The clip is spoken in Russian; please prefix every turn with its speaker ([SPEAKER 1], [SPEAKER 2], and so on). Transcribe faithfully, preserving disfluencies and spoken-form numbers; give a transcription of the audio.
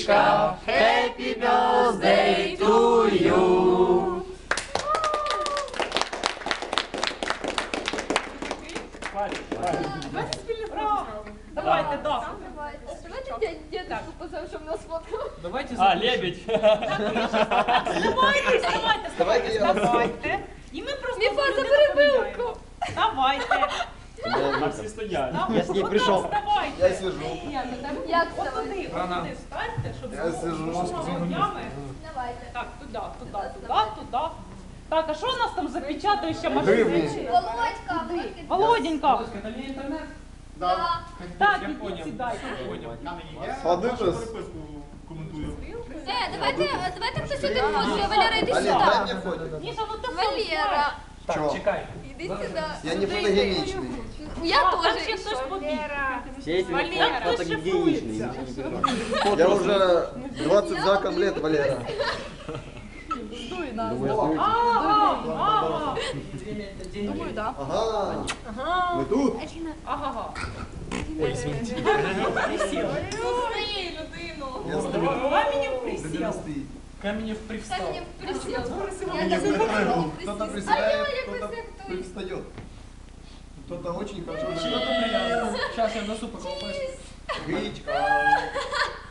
[SPEAKER 1] Сонечка, happy birthday to you.
[SPEAKER 2] Давайте, да.
[SPEAKER 3] Давайте дедушку позовем, чтобы нас смотрел.
[SPEAKER 2] Давайте
[SPEAKER 1] А, лебедь.
[SPEAKER 2] Вставайте, вставайте, вставайте, вставайте. І ми просто
[SPEAKER 3] Міфа,
[SPEAKER 2] людину
[SPEAKER 3] забери
[SPEAKER 2] поміняємо.
[SPEAKER 3] вилку.
[SPEAKER 2] Давайте.
[SPEAKER 1] На всі стоять.
[SPEAKER 4] Я с ней пришел.
[SPEAKER 2] Вставайте.
[SPEAKER 5] Я сижу.
[SPEAKER 3] Як
[SPEAKER 2] От
[SPEAKER 3] вставати?
[SPEAKER 2] туди, от туди встаньте, щоб
[SPEAKER 5] Я
[SPEAKER 2] було
[SPEAKER 5] сижу.
[SPEAKER 2] руками.
[SPEAKER 3] Давайте.
[SPEAKER 2] Так, туди, туди, туди, туди. Так, а що у нас там за печатаюча
[SPEAKER 5] Гривні.
[SPEAKER 2] машина?
[SPEAKER 3] Володька,
[SPEAKER 2] Володенька.
[SPEAKER 1] Это не интернет?
[SPEAKER 3] Да.
[SPEAKER 2] Так,
[SPEAKER 1] Я
[SPEAKER 2] ідіть
[SPEAKER 1] понял.
[SPEAKER 2] сідайте.
[SPEAKER 5] Садитесь.
[SPEAKER 3] Е, давайте, давайте хтось один фото. Валера, йди
[SPEAKER 5] Олег,
[SPEAKER 3] сюди.
[SPEAKER 5] дай мне фото.
[SPEAKER 2] Міша, ну ти
[SPEAKER 3] Валера,
[SPEAKER 5] Чё?
[SPEAKER 1] Чекай.
[SPEAKER 3] іди сюди.
[SPEAKER 5] Я не фотогеничный.
[SPEAKER 3] Я
[SPEAKER 2] Там
[SPEAKER 3] теж.
[SPEAKER 2] ще хтось побіг.
[SPEAKER 4] Все эти
[SPEAKER 2] Валера,
[SPEAKER 4] фото
[SPEAKER 2] хтось
[SPEAKER 4] гигиеничные.
[SPEAKER 2] шифрується.
[SPEAKER 5] Я уже двадцать заком лет, Валера.
[SPEAKER 2] Ага, ага.
[SPEAKER 3] Думаю, да.
[SPEAKER 5] Ага. Вы тут?
[SPEAKER 2] Ага.
[SPEAKER 3] Присів.
[SPEAKER 5] Я стою.
[SPEAKER 2] Каменем присів.
[SPEAKER 1] Каменев привстал.
[SPEAKER 3] Каменем присів. Я
[SPEAKER 5] Не
[SPEAKER 3] так
[SPEAKER 5] выправил.
[SPEAKER 3] присів.
[SPEAKER 5] Кто-то
[SPEAKER 3] А
[SPEAKER 5] приседает,
[SPEAKER 3] я як
[SPEAKER 5] кто-то
[SPEAKER 3] висяк
[SPEAKER 5] привстает. Кто-то очень хорошо
[SPEAKER 1] Что-то
[SPEAKER 5] живет.
[SPEAKER 1] приятно. Сейчас я в носу поколупаюсь.
[SPEAKER 5] Гречка.